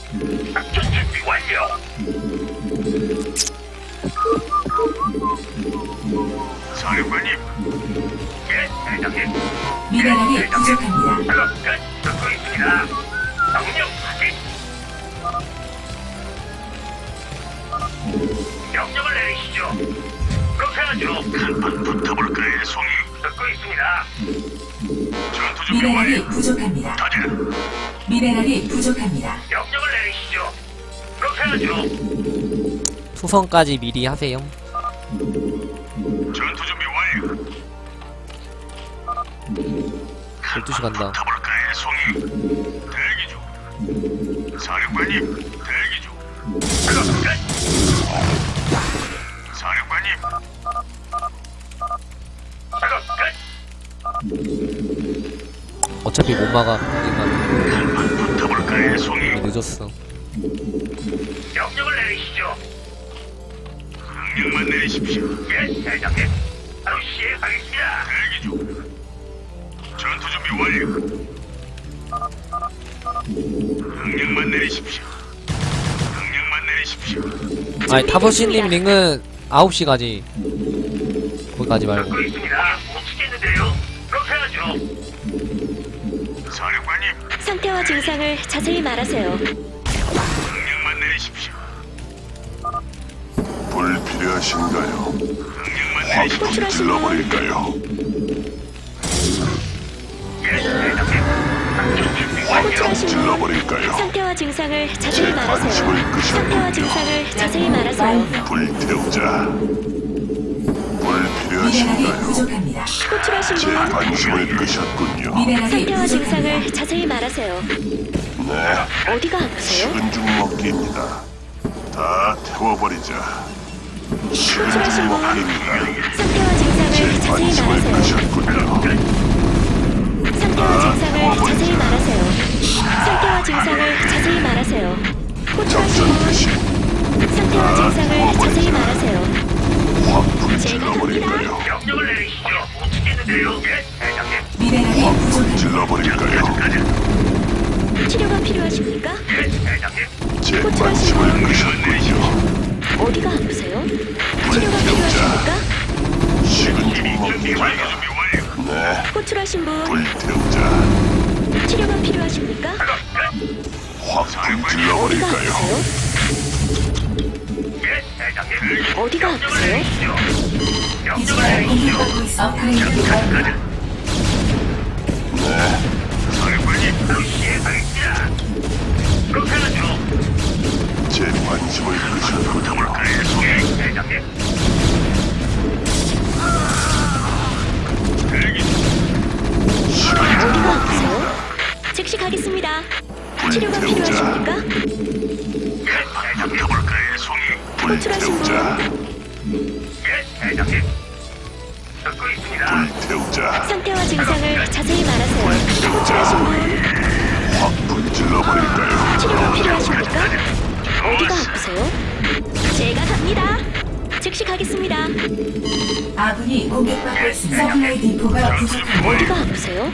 작전 준비 완료. 사령관님. 예, 대장님. 미네랄이 부족합니다. 작업 끝. 듣고 있습니다. 명령 확인. 명령을 내리시죠. 그렇게 하죠. 한판 붙어볼까요, 송이? 듣고 있습니다. 전투 준비 미네랄이 완료. 부족합니다. 다들 미네랄이 부족합니다. 명령을 내리시죠. 그렇게 하죠. 투성까지 미리 하세요. 전투 준비 완료. 12시 간다. 붙어볼까요, 송이? 대기 중. 사령관님, 대기 중. 작업 끝. 사령관님. 작업 끝. 어차피 못 막아. 우리가 한판 붙어볼까요, 송이? 늦었어. 명령을 내리시죠. 명령만 내리십시오. 예, 대장님. 바로 시행하겠습니다. 대기 중. 전투 준비 완료. 명령만 내리십시오. 명령만 내리십시오. 아니, 타버시님 링은 9시 가지. 거기 가지 말고. 듣고 있습니다. 못 치겠는데요. 그렇게 하죠. 사령관님, 상태와 증상을 자세히 말하세요. 명령만 내리십시오. 불 필요하신가요? 명령만 확 내리십시오. 불 질러버릴까요? 예, 대장님. 작전 준비 완료. 호출하신 분 질러버릴까요? 상태와 증상을 자세히 제 말하세요. 관심을 상태와 끄셨군요. 증상을 자세히 말하세요. 불태우자. 불 미네랄이 필요하신가요? 부족합니다. 호출하신 제 분 관심을 끄셨군요. 미네랄이 상태와 부족합니다. 증상을 자세히 말하세요. 네, 어디가 아프세요? 식은 죽 먹기입니다. 다 태워버리자. 식은 죽 호출하신 분 먹기입니다. 상태와 증상을 제 자세히 관심을 말하세요. 끄셨군요. 상태와 증상을 자세히 말하세요. 상태와 증상을 자세히 말하세요. 호출하신 작전 분 개시. 상태와 증상을 자세히 말하세요. 확불 제가 질러버릴까요? 명령을 내리시죠. 못 치겠는데요. 예, 대장님. 미네랄이 확불 부족합니다. 질러버릴까요? 치료가 필요하십니까? 예, 대장님. 제 관심을 끄셨군요. 어디가 아프세요? 치료가 필요하십니까? 식은 죽 준비 먹기. 완료. 준비 완료. 네, 호출하신 분 불태우자. 치료가 필요하십니까? 작업 끝. 확불 어디가 질러버릴까요? 아프세요? 예, 대장님. 어디가 명령을 아프세요? 내리시죠. 명령을 기지가 내리시죠. 공격받고 있어. 업그레이드 완료. 네, 사령관님, 바로 시행하겠습니다. 그렇게 하죠. 제 관심을 끄셨군요. 붙어볼까요, 송이? 대장님. 대기 중. 어디가 아프세요? 즉시 가겠습니다. 치료가 필요하십니까? 예, 대장님. 붙어볼까요, 송이? 호출하신 불태우자. 예, 대장님. 듣고 있습니다. 불태우자. 상태와 증상을 자세히 말하세요. 호출하신 분 확불 질러버릴까요? 치료가 필요하십니까? 어디가 아프세요? 제가 갑니다. 즉시 가겠습니다. 아군이 공격받고 있습니다. 서플라이 디포가 부족합니다. 어디가 아프세요?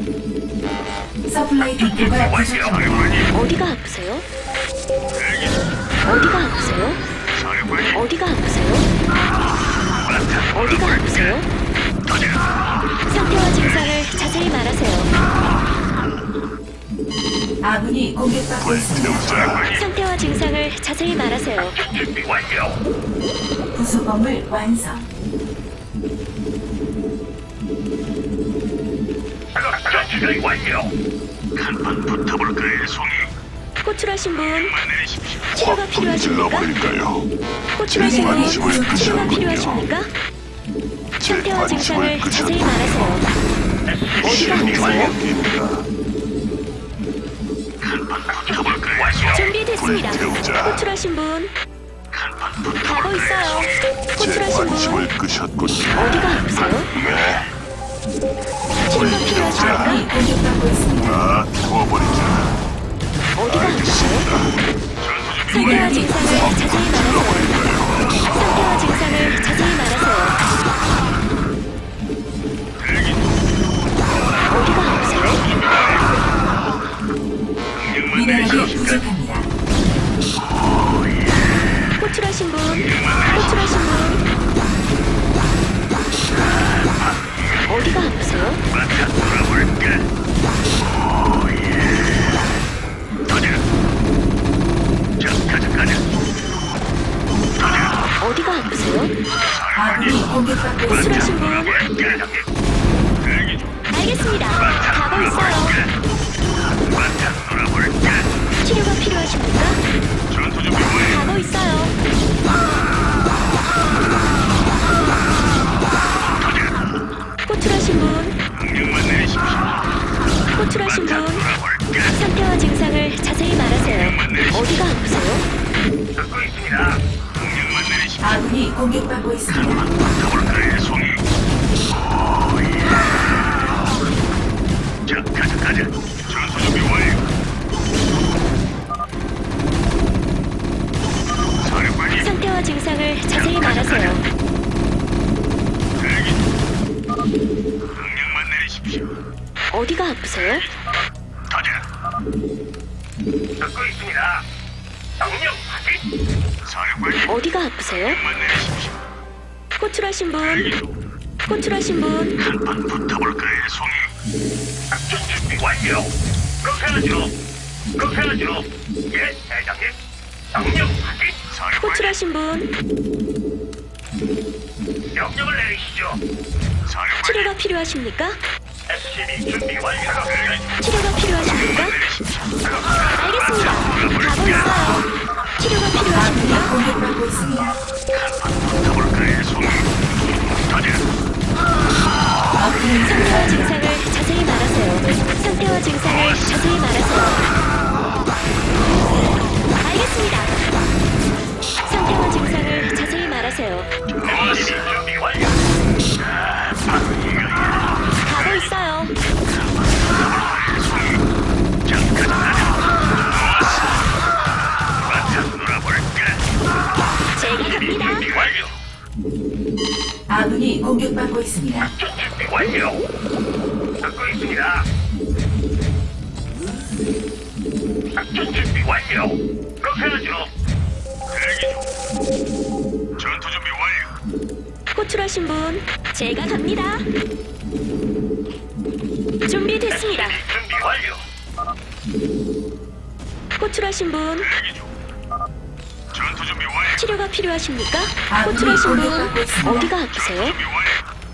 서플라이 디포가 부족합니다. 사령관님, 어디가 아프세요? 대기 중. 어디가 아프세요? 사령관님, 어디가 아프세요? 어디가 아프세요? 상태와 증상을 자세히 말하세요. 아군이 공격받고 있습니다. 불태우자. 상태와 증상을 자세히 말하세요. 준비 완료. 부속 건물 완성. 작업 준비 완료. 한판 붙어볼까요, 송이? 호출하신 분 명령만 내리십시오. 치료가 확불 필요하십니까? 질러버릴까요? 호출하신 분 관심을 치료가 끄셨군요. 필요하십니까? 제 상태와 증상을 관심을 자세히 끄셨군요. 말하세요. 어디가 식은 죽 아프세요? 먹기입니다. 한판 붙어볼까요, 완료. 준비됐습니다. 불태우자. 호출하신 분 한판 가고 붙어볼까요, 있어요. 제 호출하신 분 관심을 끄셨군요. 어디가 아프세요? 네, 치료가 필요하십니까? 아군이 공격받고 있습니다. 다 태워버리자. 어디가 아프세요? 상태와 미네랄이 증상을 자세히 말하세요. 상태와 증상을 자세히 말하세요. 어디가 아프세요? 미네랄이 부족합니다. 호출하신 분, 호출하신 분. 어디가 아프세요? 바탕 놀아볼까? 가자. 자, 가자. 어디가 아프세요? 아군이 공격받고 있습니다. 호출하신 분. 대기 중. 알겠습니다. 가고 있어요. 바탕 놀아볼까? 치료가 필요하십니까? 전투 준비 완료. 가고 있어요. 호출하신 분, 명령만 내리십시오. 호출하신 분. 놀아볼까? 상태와 증상을 자세히 말하세요. 어디가 아프세요? 듣고 있습니다. 명령만 내리십시오. 아군이 공격받고 있습니다. 더블클의 송이. 자, 가자. 전투 준비 완료. 사령관님, 상태와 증상을 자세히 말하세요. 대기 중. 명령만 내리십시오. 어디가 아프세요? 가자. 듣고 있습니다. 명령 확인. 사령관님, 어디가 아프세요? 명령만 내리십시오. 호출하신 대기 분, 중. 호출하신 분. 한판 붙어볼까요, 송이? 작전 준비 완료. 그렇게 하죠. 예, 대장님. 명령 확인. 사령관님, 호출하신 분. 명령을 내리시죠. 사령관님, 치료가 필요하십니까? SCB 준비 완료. 치료가 필요하십니까? 내리십시오. 알겠습니다. 가고 있어요. 치료가 아군이 필요하십니까? 공격받고 있습니다. 한판 붙어볼까요, 송이? 가자. 아군이 상태와 증상을 자세히 말하세요. 상태와 증상을 자세히 말하세요. 알겠습니다. 상태와 증상을 자세히 말하세요. SCB 준비 완료. 가고 있어요. 바탕 놀아볼까? 제가 갑니다. 준비 완료. 아군이 공격받고 있습니다. 준비 완료. 듣고 있습니다. 작전 준비 완료. 그렇게 하죠. 대기 중. 전투 준비 완료. 호출하신 분, 제가 갑니다. 준비됐습니다. 준비 완료. 호출하신 분, 대기 중. 전투 준비 완료. 치료가 필요하십니까? 아군이 호출하신 공격받고 분, 있습니다. 어디가 아프세요? 준비 완료.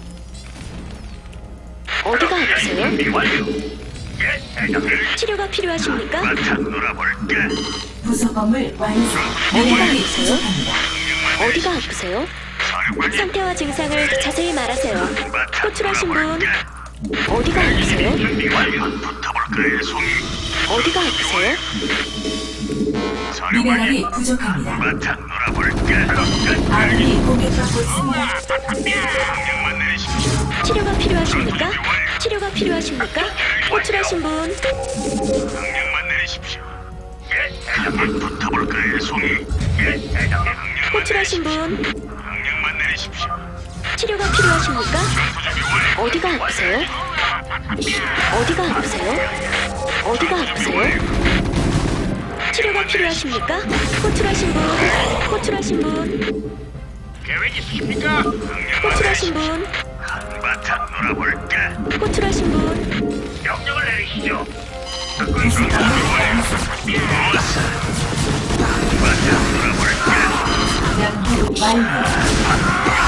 어디가 아프세요? 준비 완료. 예, 대장님. 치료가 필요하십니까? 바탕 놀아볼까? 부속 건물 완성. 어디가 미네랄이 아프세요? 부족합니다. 어디가 아프세요? 사령관님. 상태와 증상을 자세히 말하세요. 바탕 호출하신 분, 놀아볼까? 어디가 아프세요? 준비 완료. 붙어볼까요, 송이? 어디가 아프세요? 사령관님. 미네랄이 부족합니다. 바탕 놀아볼까? 아군이 공격받고 있습니다. 명령만 내리십시오. 치료가 필요하십니까? 치료가 필요하십니까? 호출하신 분, 명령만 내리십시오. 예, 대장님. 붙어볼까요, 송이? 예, 대장님. 명령만 호출하신 분, 명령만 내리십시오. 치료가 필요하십니까? 전투 준비 완료. 어디가 아프세요? 어디가 아프세요? 어디가 아프세요? 치료가 필요하십니까? 호출하신 분, 호출하신 분, 계획 있으십니까? 명령만 호출하신 분, 내리십시오. 한바탕 놀아볼까? 호출하신 분. 명령을 내리시죠. 듣고 부속 있습니다. 건물 완성. 좋았어. 한바탕 놀아볼까? 연구 완료.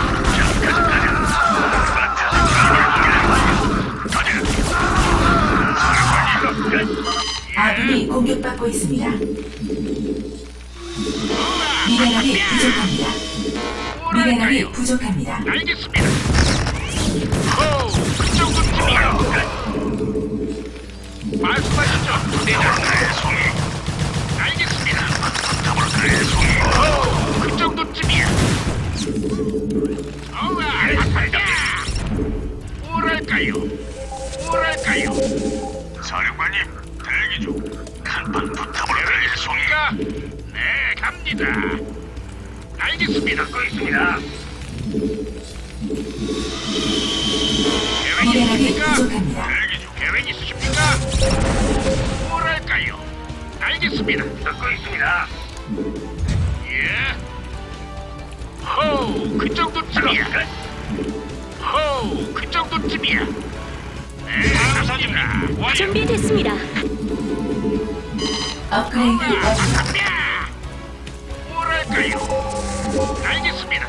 아군이 공격받고 있습니다. 미네랄이 부족합니다. 미네랄이 부족합니다. 알겠습니다. 호, 그 정도쯤이야. 말씀하시죠, 대장님. 송이. 알겠습니다. 더블클의 송이. 호, 그 정도쯤이야. 뭐랄까요? 뭐랄까요? 사령관님, 대기 중. 한판 붙어볼까요, 송이가? 네, 갑니다. 알겠습니다. 듣고 있습니다. 계획 미네랄이 있으십니까? 부족합니다. 대기 중. 계획 있으십니까? 뭐랄까요? 알겠습니다. 듣고 있습니다. 예. 호우, 그 정도쯤이야. 호우, 그 정도쯤이야. 네, 감사합니다. 준비됐습니다. 업그레이드 완료. 뭐랄까요? 알겠습니다.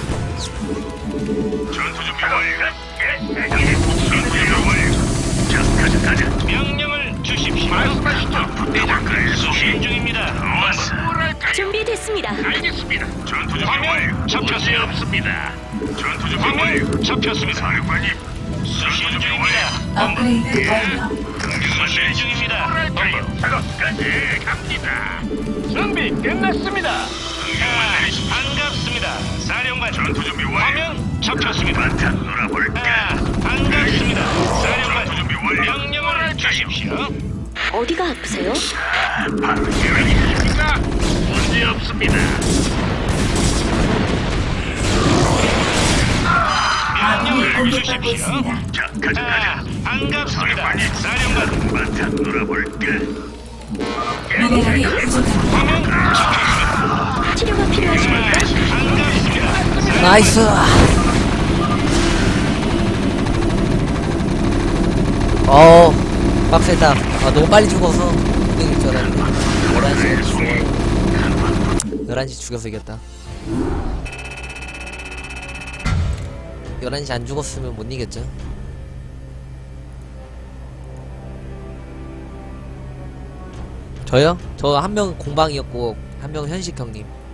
전투 준비 완료. 전투 준비 완료. 자, 가자. 명령을 주십시오. 말씀하시죠. 대장까지 수신 중입니다. 뭐랄까요? 준비됐습니다. 알겠습니다. 전투 준비 완료. 잡혔어요. 없습니다. 전투 준비 완료. 잡혔습니다. 사령관님. 수신 중입니다. 업그레이드 완료. 수신 중입니다. 뭐랄까요? 작업까지 갑니다. 준비 끝났습니다. 반갑습니다. 사령관. 전투 준비 완료. 화면 잡혔습니다. 한판 놀아볼까? 반갑습니다. 사령관. 전투 준비 완료. 명령을 주십시오. 어디가 아프세요? 바로 계획이십니까? 문제 없습니다. 아군이 명령을 공격받고 주십시오. 있습니다. 자, 가자. 반갑습니다. 사령관. 한판 놀아볼까? 미네랄이 부족합니다. 화면 잡혔습니다. 치료가 필요하십니까? 반갑습니다. 나이스. 빡세다. 아, 너무 빨리 죽어서. 이길 줄 알았는데. 11시에 죽어. 11시 죽여서 이겼다. 11시 안 죽었으면 못 이겼죠. 저요? 저 한 명 공방이었고, 한 명은 현식 형님.